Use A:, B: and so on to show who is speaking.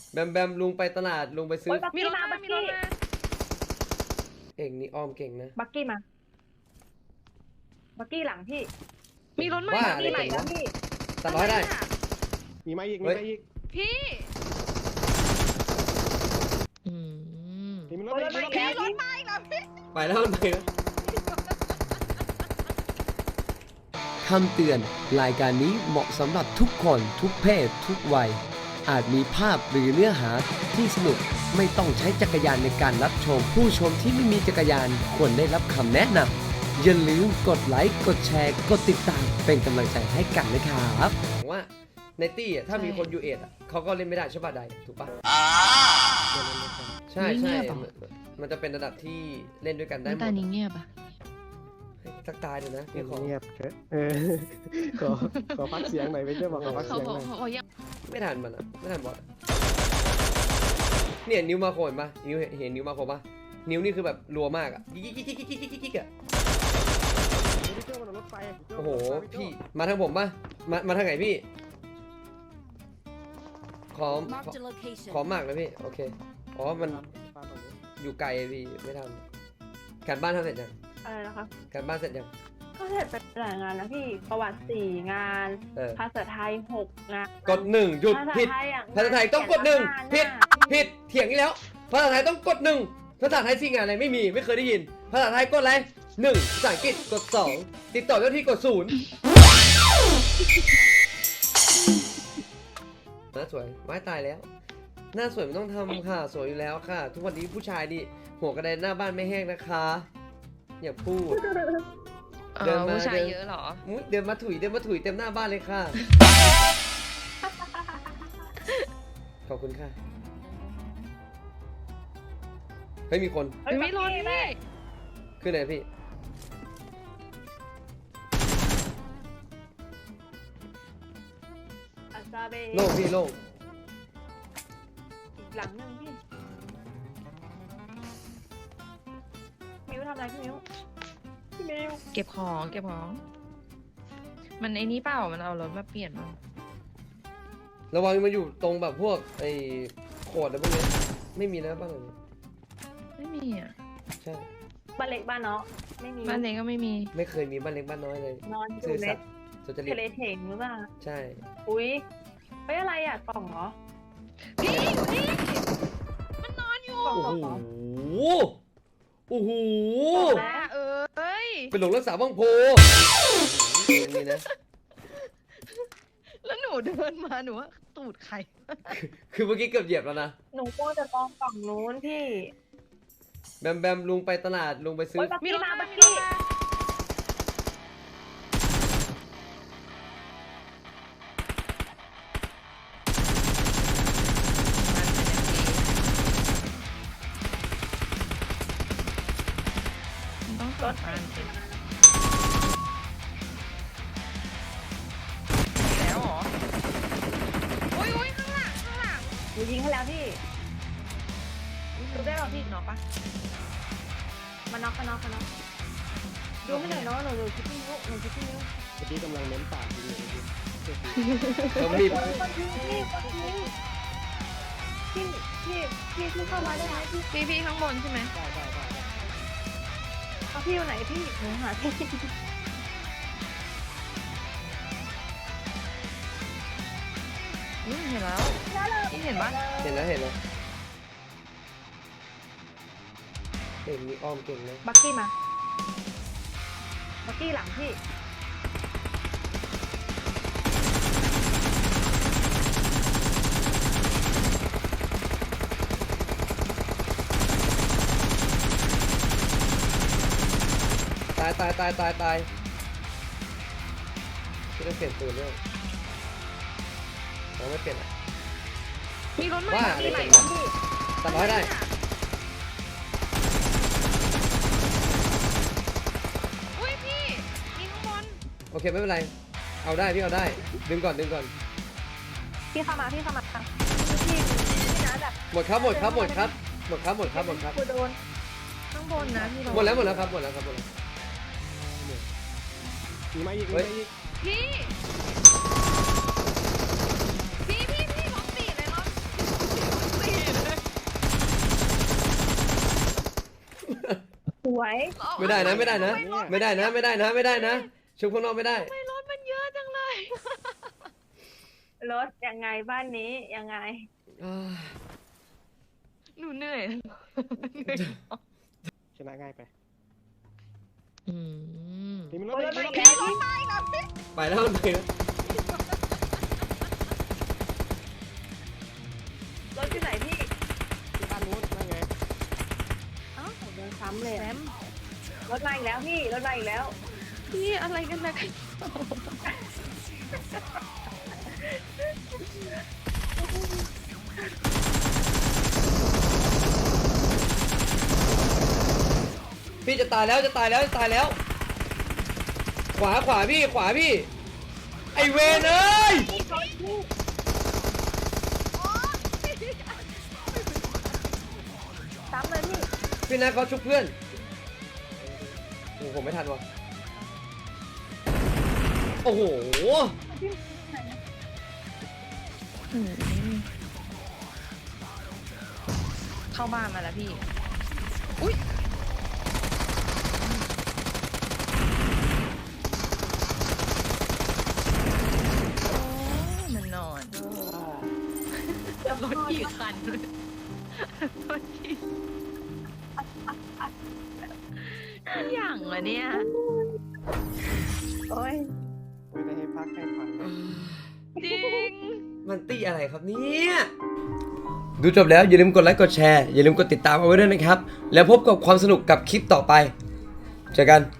A: แบมลุงไปตลาดลุงไปซื้อ
B: มีรถมา
A: เองนี่อ้อมเก่งนะ
C: บักกี้มาบักกี้หลังพี่
B: มีรถมา
A: ว่า
C: บักกี้ใหม่แล้วพี่
A: ตัดร้อยได้
D: มีมาอีก
B: พี่
D: มีรถมาอีก
B: พี่รถมาอีกแล้วพี่
A: ไปแล้วมันไปแล้วคำเตือนรายการนี้เหมาะสำหรับทุกคนทุกเพศทุกวัยอาจมีภาพหรือเนื้อหาที่สนุกไม่ต้องใช้จักรยานในการรับชมผู้ชมที่ไม่มีจักรยานควรได้รับคำแนะนำอย่าลืมกดไลค์กดแชร์กดติดตามเป็นกำลังใจให้กันนะครับว่าในตี้ถ้ามีคนยูเอทเขาก็เล่นไม่ได้ใช่ป่ะใดถูกป่ะใช่มันจะเป็นระดับที่เล่นด้วยกันได้หมด
B: ตานี้เงียบอ่ะ
A: สักตายเดี๋ยวนะพี่ขอ
D: เงียบขอพักเสียงหน่อยไปช่วยบอกขอพักเสียงหน่อย
A: ไม่ทันมันอ่ะไม่ทันบอสเนี่ยนิ้วมาโคนปะนิ้วเห็นนิ้วมาโคนปะนิ้วนี่คือแบบรัวมากอ่ะกิ๊กอ่ะโอ้โหพี่มาทางผมปะมาทางไหนพี่ขอหมากเลยพี่โอเคอ๋อมันอยู่ไกลพี่ไม่ทันการบ้านทำเสร็จยัง
C: อะไรนะคะ
A: การบ้านเสร็จยัง
C: ก็เสร็จไปหลายงานแล้วพี่ประวัติ4 งานภาษาไทย6 งาน
A: กด1หยุดผิดภาษาไทยต้องกด1ผิดเถียงอีกแล้วภาษาไทยต้องกด1ภาษาไทย4 งานอะไรไม่เคยได้ยินภาษาไทยกดอะไร1ภาษาอังกฤษกด2ติดต่อเจ้าที่กด0หน้าสวยไม้ตายแล้วหน้าสวยมันต้องทำค่ะสวยอยู่แล้วค่ะทุกวันนี้ผู้ชายดิหัวกระไดหน้าบ้านไม่แห้งนะคะอย่าพูด
B: เดินมาผู้ชายเยอะเหรอ
A: เดินมาถุยเต็มหน้าบ้านเลยค่ะขอบคุณค่ะเฮ้ยมีคน
B: ไม่รอพี่
A: ขึ้นไหนพี่โล่งพี่โล่ง
C: อีกหลังนึงพี่มิวทำอะไรพี่มิว
B: เก็บของมันไอ้นี้เปล่ามันเอารถมาเปลี่ยนมั้ง
A: ระวังมันอยู่ตรงแบบพวกไอ้โขดอะไรพวกนี้ไม่มีนะบ้านหลังนี้
B: ไม่มีอ่ะ
A: ใช่
C: บ้านเล็กบ้านน้อยไม่มี
B: บ้านเล็กก็ไม่มี
A: ไม่เคยมีบ้านเล็กบ้านน้อยเลย
C: นอนอยู่ในทะเลเถงหรือเปล่า
A: ใช่
C: อุ้ยเฮ้ยอะไรอ่ะกล่องเหรอ
B: พี่มันนอนอยู่
A: โอ้โหเป็นหลงรักษาบ้างโพนี่นะ
B: แล้วหนูเดินมาหนูว่าตูดใคร
A: คือเมื่อกี้เกือบเหยียบแล้วนะ
C: หนูก็จะกองกล่องนู้นพี่
A: แบมลุงไปตลาดลุงไปซื้อ
C: มีรถมาบักกี้
B: ต้องรถมาแล้วเหรอโอ้ยข้างหลัง
C: หนูยิงให้แล้วพี่ดูได้หรอพี่
B: น็อกปะ
C: มาน็อกดูไม่หน่อยเนาะหนูคิดที่นิ้วเ
D: มื่อกี้กำลังเน้นปากอยู่เลย
A: ต้องรีบ
C: พี่เข้ามาได้ไหม
B: พี่ข้างบนใช่ไหม
D: ได้
C: เอาพี่อยู่ไหนพี่หนูหาพี่
B: เห็นแล้วพี่เห็นปะ
A: เห็นแล้วเก่งมีอ้อมเก่งเลย
C: บักกี้มาบักกี้หลังพี่
A: ตายจะได้เปลี่ยนปืนด้วยเราไม่เปลี่ยน
B: มีรถ
A: ว่าอะไรเปลี่ยนนะตัดร้อยได้
B: อุ้ยพี่มีข้างบน
A: โอเคไม่เป็นไรเอาได้พี่เอาได้ดึงก่อน
C: พี่เข้ามาพี่นะแบบ
A: หมดครับกูโดน
C: ข้างบน
B: นะพี่
A: หมดแล้วครับ
D: มีมาอีก
B: พี่รถติดเลยรถ
C: วย
A: ไม่ได้นะไม่ได้นะไม่ได้นะไม่ได้นะไม่ได้นะชุบข้างนอกไม่ได้
B: ไม่รถมันเยอะจังเลย
C: รถยังไงบ้านนี้ยังไง
A: อ่า
B: หนูเหนื่อย
D: ชนะง่ายไป
B: อืม
D: นี่มันร
C: ร
D: ถ
C: ถ
D: ไป
C: มาอีกแล้วพี่
A: ไปแล้วมันไปแล้ว
C: รถที่ไหนพี่
D: ที่บ้านนู้นนั่นไง
C: เอ้าโดนซ้ำเลยอะรถมาอีกแล้วพี่รถมาอีกแล้ว
B: พี่อะไรกันนะ
A: พี่จะตายแล้วจะตายแล้วจะตายแล้ว ขวาขวาพี่ขวาพี่ไอเวนเอ้ย
C: ซ้ำเลยพี่
A: พี่นะเขาชุบเพื่อนโอ้โหผมไม่ทันว่ะโอ้โห
B: เข้าบ้านมาแล้วพี่ อุ้ยมันนอนรถกี่คันรถกี่อย่างวะเนี่ย
C: โอ้ย
D: ไม่ได้ให้พักให้ฟังเลย
B: จริง
A: มันตี้อะไรครับเนี่ยดูจบแล้วอย่าลืมกดไลค์กดแชร์อย่าลืมกดติดตามเอาไว้ด้วยนะครับแล้วพบกับความสนุกกับคลิปต่อไปเจอกัน